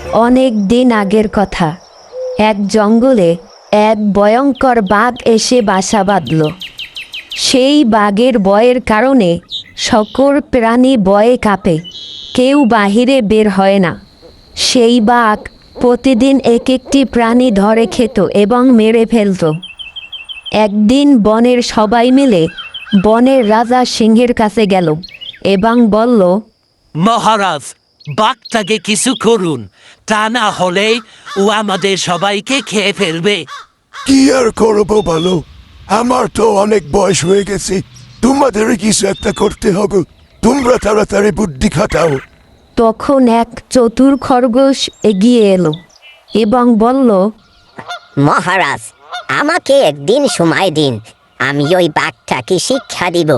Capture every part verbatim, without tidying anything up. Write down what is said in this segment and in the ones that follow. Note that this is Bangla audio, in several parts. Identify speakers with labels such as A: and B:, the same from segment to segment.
A: অনেক দিন আগের কথা। এক জঙ্গলে এক ভয়ঙ্কর বাঘ এসে বাসা বাঁধল। সেই বাঘের ভয়ের কারণে সকল প্রাণী ভয়ে কাঁপে, কেউ বাহিরে বের হয় না। সেই বাঘ প্রতিদিন এক একটি প্রাণী ধরে খেত এবং মেরে ফেলত। একদিন বনের সবাই মিলে বনের রাজা সিংহের কাছে গেল এবং বলল,
B: মহারাজ, বাঘটাকে কিছু করুন, তা না হলে ও আমাদের সবাইকে খেয়ে ফেলবে।
C: কি আর করবো বলো, আমার তো অনেক বয়স হয়ে গেছে, তোমাদের কিছু একটা করতে হবে। তোমরা তাড়াতাড়ি বুদ্ধি খাটাও।
A: তখন এক চতুর খরগোশ এগিয়ে এলো এবং বলল,
D: মহারাজ, আমাকে একদিন সময় দিন, আমি ওই বাঘটাকে শিক্ষা দিব।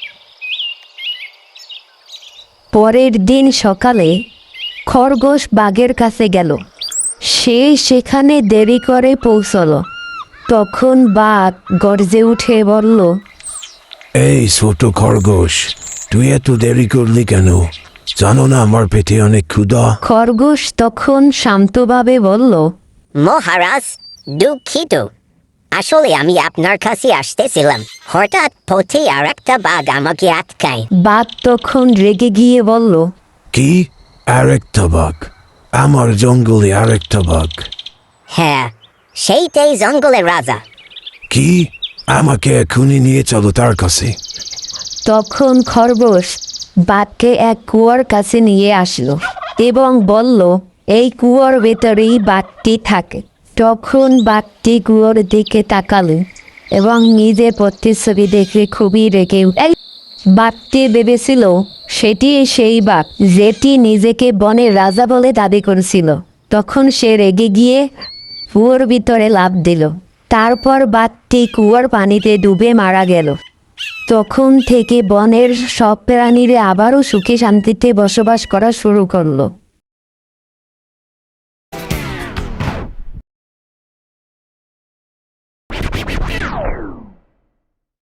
A: পরের দিন সকালে খরগোশ বাঘের কাছে গেল। সে সেখানে দেরি করে পৌঁছল। তখন বাঘ গর্জে উঠে বলল,
C: এই ছোট খরগোশ, তুই এত দেরি করলি কেন? জানো না আমার পেটে অনেক ক্ষুধা।
A: খরগোশ তখন শান্তভাবে বলল,
D: মহারাজ, দুঃখিত, আসলে আমি আপনার কাছে আসতেছিলাম, হঠাৎ পথে আর একটা বাঘ আমাকে আটকায়।
A: বাঘ তখন রেগে গিয়ে বলল,
C: কি? আরেকটা বাঘ? আমার জঙ্গলে আরেকটা বাঘ?
D: হ্যাঁ, সেইটাই জঙ্গলের রাজা।
C: কি? আমাকে এখনই নিয়ে চলো তার কাছে।
A: তখন খরগোশ বাঘকে এক কুয়োর কাছে নিয়ে আসলো এবং বলল, এই কুয়োর ভেতরেই বাঘটি থাকে। তখন বাঘটি কুয়োর দিকে তাকালো এবং নিজের প্রতিচ্ছবি দেখে খুবই রেগে উঠল। বাঘটি ভেবেছিল সেটি সেই বাঘ যেটি নিজেকে বনের রাজা বলে দাবি করেছিল। তখন সে রেগে গিয়ে কুয়োর ভিতরে লাফ দিল। তারপর বাঘটি কুয়োর পানিতে ডুবে মারা গেল। তখন থেকে বনের সব প্রাণীরা আবারও সুখে শান্তিতে বসবাস করা শুরু করলো।